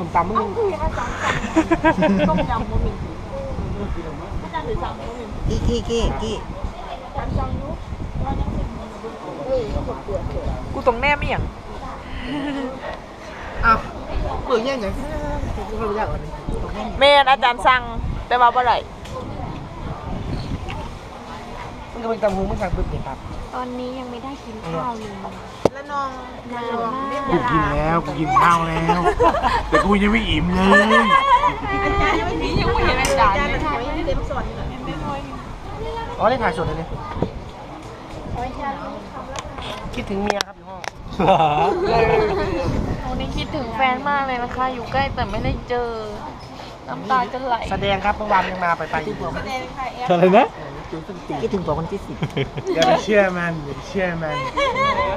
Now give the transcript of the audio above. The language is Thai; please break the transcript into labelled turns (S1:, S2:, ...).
S1: ตำมึง
S2: ต้มยำโมมินอาจารย์ถือสั่งโมมิน
S3: กี้
S2: การสั่งยุเรายังเป็น
S4: กูตรงแน่ไม่อย่าง
S1: อ้าวเปิดแย่งอย่างกูไม่รู้ยากกว่านี้
S4: เมนอาจารย์สั่งแต่ว่าบ่ไร
S1: มันก็เป็นตำหูมันสั่งปึ๊บเนี่ยครับ
S2: ตอนนี้ยังไม่ได้กินข้าวเลยแล้วน้องนานมาก
S5: กูกินแล้วกูกินข้าวแล้ว แต่กูยังไม่อิ่มเลย
S2: อาจารย์ยังไม่เห็นอาจารย์เลยถ่ายให้เต็มส่วนเลย
S1: อ๋อได้ถ่ายสดเลยเนี่ยคิดถึงเมียครับอยู่ห้อง
S4: วันนี้คิดถึงแฟนมากเลยนะคะ อยู่ใกล้แต่ไม่ได้เจอ น้ำตาจะไหล
S1: แสดงครับเมื่อวานยังมาไป
S2: แสดงค่ะแอป
S5: อะไรนะ
S3: คิดถึงตัวคนที่10
S5: อย่าไปเชื่อมันอย่าไปเชื่อมัน